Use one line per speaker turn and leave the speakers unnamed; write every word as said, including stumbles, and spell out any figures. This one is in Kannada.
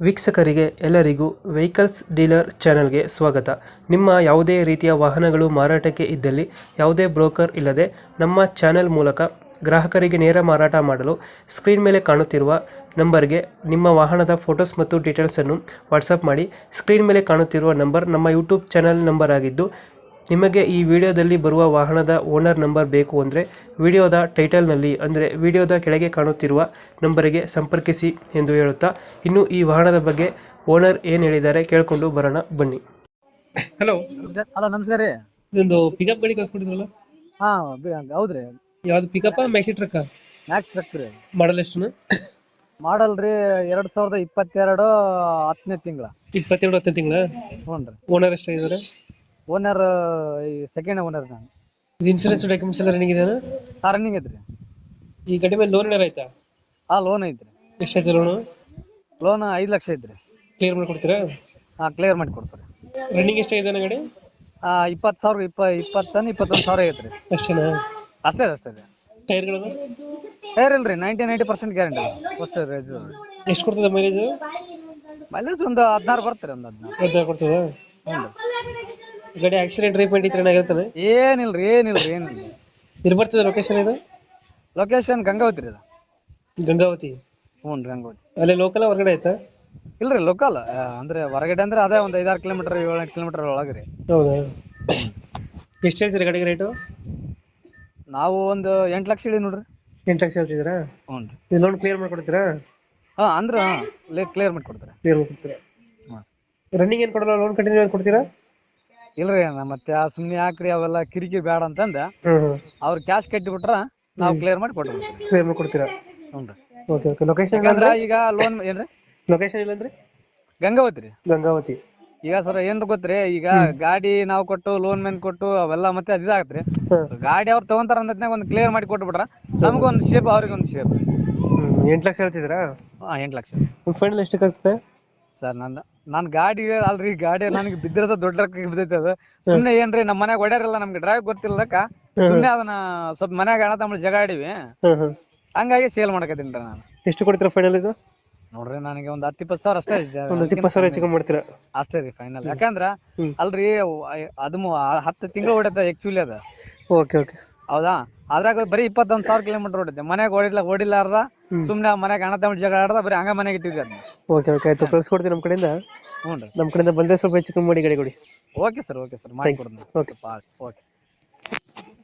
ವೀಕ್ಷಕರಿಗೆ ಎಲ್ಲರಿಗೂ ವೆಹಿಕಲ್ಸ್ ಡೀಲರ್ ಚಾನೆಲ್ಗೆ ಸ್ವಾಗತ. ನಿಮ್ಮ ಯಾವುದೇ ರೀತಿಯ ವಾಹನಗಳು ಮಾರಾಟಕ್ಕೆ ಇದ್ದಲ್ಲಿ ಯಾವುದೇ ಬ್ರೋಕರ್ ಇಲ್ಲದೆ ನಮ್ಮ ಚಾನೆಲ್ ಮೂಲಕ ಗ್ರಾಹಕರಿಗೆ ನೇರ ಮಾರಾಟ ಮಾಡಲು ಸ್ಕ್ರೀನ್ ಮೇಲೆ ಕಾಣುತ್ತಿರುವ ನಂಬರ್ಗೆ ನಿಮ್ಮ ವಾಹನದ ಫೋಟೋಸ್ ಮತ್ತು ಡೀಟೇಲ್ಸನ್ನು ವಾಟ್ಸಪ್ ಮಾಡಿ. ಸ್ಕ್ರೀನ್ ಮೇಲೆ ಕಾಣುತ್ತಿರುವ ನಂಬರ್ ನಮ್ಮ ಯೂಟ್ಯೂಬ್ ಚಾನೆಲ್ ನಂಬರ್ ಆಗಿದ್ದು, ನಿಮಗೆ ಈ ವಿಡಿಯೋದಲ್ಲಿ ಬರುವ ವಾಹನದ ಓನರ್ ನಂಬರ್ ಬೇಕು ಅಂದರೆ ವಿಡಿಯೋದ ಟೈಟಲ್ನಲ್ಲಿ ಅಂದರೆ ವಿಡಿಯೋದ ಕೆಳಗೆ ಕಾಣುತ್ತಿರುವ ನಂಬರಿಗೆ ಸಂಪರ್ಕಿಸಿ ಎಂದು ಹೇಳುತ್ತಾ, ಇನ್ನು ಈ ವಾಹನದ ಬಗ್ಗೆ ಓನರ್ ಏನು ಹೇಳಿದ್ದಾರೆ ಕೇಳಿಕೊಂಡು ಬರೋಣ ಬನ್ನಿ. ಹಲೋ
ಹಲೋ ನಮಸ್ಕಾರ ರೀ.
ಇದೊಂದು ಪಿಕಪ್ ಗಾಡಿ ಕಳ್ಸ್ಕೊಟ್ಟಿದ್ರಲ್ಲ,
ಹಾ ಹೌದ್ರಿ.
ಯಾವ್ದು pickup maxi truck?
Max truck ರೀ.
ಮಾಡಲ್ ಎಷ್ಟು?
ಮಾಡಲ್ ರೀ ಎರಡ್ ಸಾವಿರದ ಇಪ್ಪತ್ತೆರಡು ಹತ್ತನೇ ತಿಂಗಳ.
ಇಪ್ಪತ್ತೆರಡು ಹತ್ತನೇ ತಿಂಗಳ.
ಹ್ಞೂ ರೀ.
ಓನರ್ ಎಷ್ಟಾಗಿದ್ದಾರೆ?
ಓನರ್ ಸೆಕೆಂಡ್ ಓನರ್ ನಾನು.
ಇದು ಇನ್ಶೂರೆನ್ಸ್ ಡಾಕ್ಯುಮೆಂಟ್ಸ್ ಎಲ್ಲ ರನ್ನಿಂಗ್ ಇದೆಯಾ?
ಹಾ ರನ್ನಿಂಗ್ ಐತ್ರಿ.
ಈ ಗಾಡಿ ಮೇಲೆ ಲೋನ್ ಏನಾರ ಆಯ್ತಾ?
ಹಾ ಲೋನ್ ಐತ್ರಿ.
ಎಷ್ಟಾಯ್ತು ಲೋನು?
ಲೋನ್ ಐದು ಲಕ್ಷ ಐತ್ರಿ.
ಕ್ಲಿಯರ್ ಮಾಡಿ ಕೊಡ್ತೀರಾ?
ಹಾ ಕ್ಲಿಯರ್ ಮಾಡಿ ಕೊಡ್ತಾರೆ.
ರನ್ನಿಂಗ್ ಎಷ್ಟಾಗಿದೆ ಗಾಡಿ?
ಹಾ ಇಪ್ಪತ್ತು ಸಾವಿರ ಇಪ್ಪ ಇಪ್ಪತ್ತನ್ನು ಇಪ್ಪತ್ತೊಂದು ಸಾವಿರ ಐತ್ರಿ.
ಅಷ್ಟೇನಾ?
ಅಷ್ಟೇ ಅಷ್ಟೇ ರೀ.
ಟೈರ್ಗಳು
ಟೈರ್ ಇಲ್ರಿ, ನೈಂಟಿ ನೈಂಟಿ ಪರ್ಸೆಂಟ್ ಗ್ಯಾರಂಟಿ ಅಷ್ಟೇ ರೀ.
ಎಷ್ಟು ಕೊಡ್ತದೆ ಮೈಲೇಜ್?
ಮೈಲೇಜ್ ಒಂದು ಹದಿನಾರು ಬರ್ತಾರೆ, ಒಂದು ಹದಿನಾರು
ಹದಿನಾರು ಕೊಡ್ತದೆ.
ಹ್ಞೂ ರೀ.
ಗಾಡಿ ಆಕ್ಸಿಡೆಂಟ್ ರೀಪೇಂಟ್ ಇತ್ತು ಏನಾಗಿರ್ತಾನೆ?
ಏನಿಲ್ರಿ ಏನಿಲ್ರಿ ಏನಿಲ್ಲ.
ಇದು ಬರ್ತದೆ ಲೊಕೇಶನ್? ಇದು
ಲೊಕೇಶನ್ ಗಂಗಾವತಿ ರೀ. ಅದು
ಗಂಗಾವತಿ.
ಹ್ಞೂ ರೀ ಗಂಗಾವತಿ.
ಅಲ್ಲೇ ಲೋಕಲ್ ಹೊರಗಡೆ ಆಯ್ತಾ?
ಇಲ್ರಿ ಲೋಕಲ್ ಅಂದ್ರೆ ಹೊರಗಡೆ ಅಂದ್ರೆ ಅದೇ ಒಂದು ಐದಾರು ಕಿಲೋಮೀಟರ್ ಏಳೆಂಟು ಕಿಲೋಮೀಟರ್ ಒಳಗೆ ರೀ.
ಹೌದಾ? ಎಷ್ಟು ಹೇಳ್ತೀರಿ ಗಾಡಿಗೆ ರೇಟು?
ನಾವು ಒಂದು ಎಂಟು ಲಕ್ಷ ಹೇಳಿ ನೋಡ್ರಿ.
ಎಂಟು ಲಕ್ಷ ಹೇಳ್ತಿದ್ದೀರಾ?
ಹ್ಞೂ ರೀ.
ಇದು ಲೋನ್ ಕ್ಲಿಯರ್ ಮಾಡ್ಕೊಡ್ತೀರಾ?
ಹಾಂ ಅಂದ್ರೆ ಕ್ಲಿಯರ್ ಮಾಡಿ ಕೊಡ್ತಾರೆ.
ಕ್ಲಿಯರ್ ಮಾಡ್ಕೊಡ್ತೀರಾ?
ಹಾಂ.
ರನ್ನಿಂಗ್ ಏನು ಕೊಡಲ್ಲ, ಲೋನ್ ಕಂಟಿನ್ಯೂ ಮಾಡಿ ಕೊಡ್ತೀರಾ?
ಇಲ್ರಿ ಮತ್ತೆ ಆ ಸುಮ್ಮನೆ ಯಾಕ್ರಿ ಅವೆಲ್ಲ ಕಿರಿಕಿ ಬೇಡ ಅಂತಂದ
ಹ್ಞೂ ಹ್ಞೂ
ಅವ್ರು ಕ್ಯಾಶ್ ಕಟ್ಟಿಬಿಟ್ರ ನಾವು ಕ್ಲಿಯರ್ ಮಾಡಿ ಕೊಟ್ಬಿಡ್ತೀವಿ.
ಕ್ಲಿಯರ್ ಮಾಡಿ ಕೊಡ್ತೀರಾ?
ಹ್ಞೂ ರೀ.
Okay okay. ಲೊಕೇಶನ್
ಯಾಕಂದ್ರೆ ಈಗ ಲೋನ್ ಏನ್ರಿ
ಲೊಕೇಶನ್ ಇಲ್ಲಂದ್ರೆ
ಗಂಗಾವತಿ ರೀ.
ಗಂಗಾವತಿ.
ಈಗ ಸರ್ ಏನ್ರ ಗೊತ್ತ್ರಿ, ಈಗ ಗಾಡಿ ನಾವು ಕೊಟ್ಟು ಲೋನ್ ಮೇನ್ ಕೊಟ್ಟು ಅವೆಲ್ಲ ಮತ್ತೆ ಅದು ಇದಾಗತ್ರಿ. ಗಾಡಿ ಅವ್ರು ತಗೊಂತಾರ ಅಂದ್ನಾಗ ಒಂದು ಕ್ಲಿಯರ್ ಮಾಡಿ ಕೊಟ್ಬಿಟ್ರ ನಮಗೊಂದು ಶೇಪ್ ಅವ್ರಿಗೆ ಒಂದು ಶೇಪ್.
ಹ್ಞೂ ಎಂಟು ಲಕ್ಷ ಹೇಳ್ತಿದ್ದೀರಾ?
ಹಾಂ ಎಂಟು ಲಕ್ಷ.
ಫೈನಲ್ ಎಷ್ಟಕ್ಕೆ ಆಗ್ತದೆ
ಸರ್ ನನ್ನ ನಾನು ಗಾಡಿ ಅಲ್ರಿ, ಗಾಡಿ ನನಗೆ ಬಿದ್ದಿರೋದು ದೊಡ್ಡ ರೊಕ್ಕ ಬಿದ್ದೈತೆ. ಅದು ಸುಮ್ಮನೆ ಏನ್ರಿ ನಮ್ಮ ಮನ್ಯಾಗ ಹೊಡ್ಯಾರಿಲ್ಲ, ನಮ್ಗೆ ಡ್ರೈವ್ ಗೊತ್ತಿಲ್ಲದಕ್ಕ ಸುಮ್ಮನೆ ಅದನ್ನ ಸ್ವಲ್ಪ ಮನ್ಯಾಗ ಅಣ್ಣ ತಮ್ಮ ಜಗ ಆಡಿವಿ, ಹಂಗಾಗಿ ಸೇಲ್ ಮಾಡಕತ್ತೀನಿ ರೀ ನಾನು.
ಎಷ್ಟು ಕೊಡ್ತೀರಾ ಫೈನಲ್ ಇದು?
ನೋಡ್ರಿ ನನಗೆ ಒಂದು ಹತ್ತು ಇಪ್ಪತ್ತು ಸಾವಿರ ಅಷ್ಟೇ.
ಒಂದು ಇಪ್ಪತ್ತು ಸಾವಿರ ಹೆಚ್ಚಿಗೆ ಮಾಡ್ತೀರಾ?
ಅಷ್ಟೇ ರೀ ಫೈನಲ್. ಯಾಕಂದ್ರ ಅಲ್ರಿ ಅದು ಹತ್ತು ತಿಂಗಳು ಹೊಡೆದ ಆಕ್ಚುಲಿ ಅದ.
Okay okay.
ಹೌದಾ? ಅದ್ರಾಗ ಬರೀ ಇಪ್ಪತ್ತೊಂದು ಸಾವಿರ ಕಿಲೋಮೀಟರ್ ಹೊಡಿದ್ದೆ. ಮನ್ಯಾಗ ಹೊಡಿಲ್ಲ ಹೊಡಿಲಾರ್ದ ಸುಮ್ಮನೆ ಮನ್ಯಾಗ ಅಣ್ಣ ತಮ್ಮ ಜಗ ಆಡ್ದ ಬರೀ ಹಂಗ ಮನೆಗೆ ಇಟ್ಟಿದ್ದೆ ಅದನ್ನ.
ಓಕೆ ಓಕೆ ಆಯ್ತು, ಕಳ್ಸ್ಕೊಡ್ತೀನಿ ನಮ್ಮ ಕಡೆಯಿಂದ.
ಹ್ಞೂ ರೀ.
ನಮ್ಮ ಕಡೆಯಿಂದ ಬಂದರೆ ಸ್ವಲ್ಪ ಹೆಚ್ಚು ಕಮ್ಮಿ ಮಾಡಿ ಗಾಡಿ ಕೊಡಿ.
ಓಕೆ ಸರ್, ಓಕೆ ಸರ್, ಮಾಡಿ ಕೊಡ್ತೀನಿ.
ಓಕೆ.
ಓಕೆ.